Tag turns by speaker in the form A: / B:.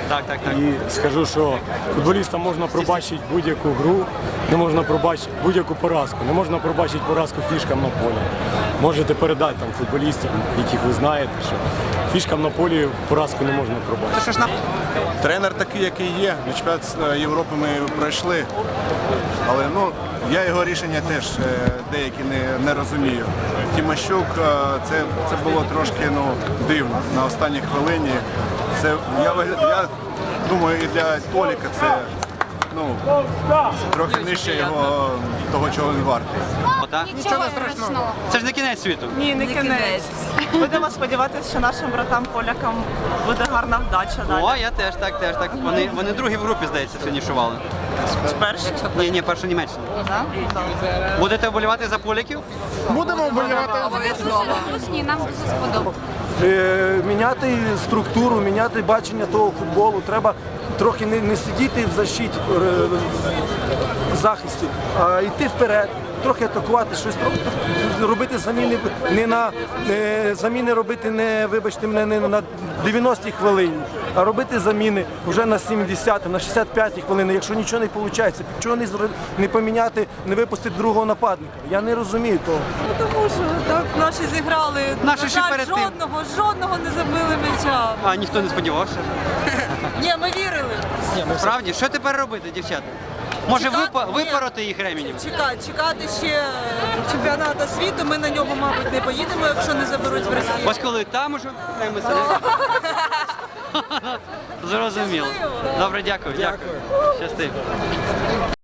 A: Так.
B: І скажу, що футболістам можна пробачити будь-яку гру, не можна пробачити будь-яку поразку, не можна пробачити поразку фішкам на полі. Можете передати там футболістам, яких ви знаєте, що фішкам на полі поразку не можна пробачити.
C: Тренер такий, який є. На чемпіонат Європи ми пройшли, але я його рішення теж деякі не розумію. Тимощук, це було трошки дивно на останній хвилині. Я думаю, і для Толіка це трохи нижче його того, чого він вартий.
D: Нічого страшного.
A: Це ж не кінець світу.
E: Ні, не кінець. Будемо сподіватися, що нашим братам-полякам буде гарна вдача далі.
A: О, я теж, так. Вони другі в групі, здається, фінішували.
E: Перший?
A: Ні, перша Німеччина. Будете вболівати за поляків?
F: Будемо вболівати.
D: Обов'язково. Ні, нам дуже сподобалося.
B: Міняти структуру, міняти бачення того футболу. Треба трохи не сидіти в защиті, в захисті, а йти вперед, трохи атакувати, щось робити заміни, заміни робити вибачте мене, не на 90-й хвилині, а робити заміни вже на 70-й, на 65-й хвилині, якщо нічого не виходить. Чого не поміняти, не випустити другого нападника? Я не розумію того.
E: Тому що так наші зіграли,
A: Наші ще перед тим.
E: жодного не забили м'яча.
A: А ніхто не сподівався.
E: Ні, ми вірили.
A: Справді, що тепер робити, дівчата? Може випороти їх ременем?
E: Чекати ще чемпіонату світу, ми на нього, мабуть, не поїдемо, якщо не заберуть в Росії.
A: Ось коли там уже зрозуміло. Добре, дякую. Щасти.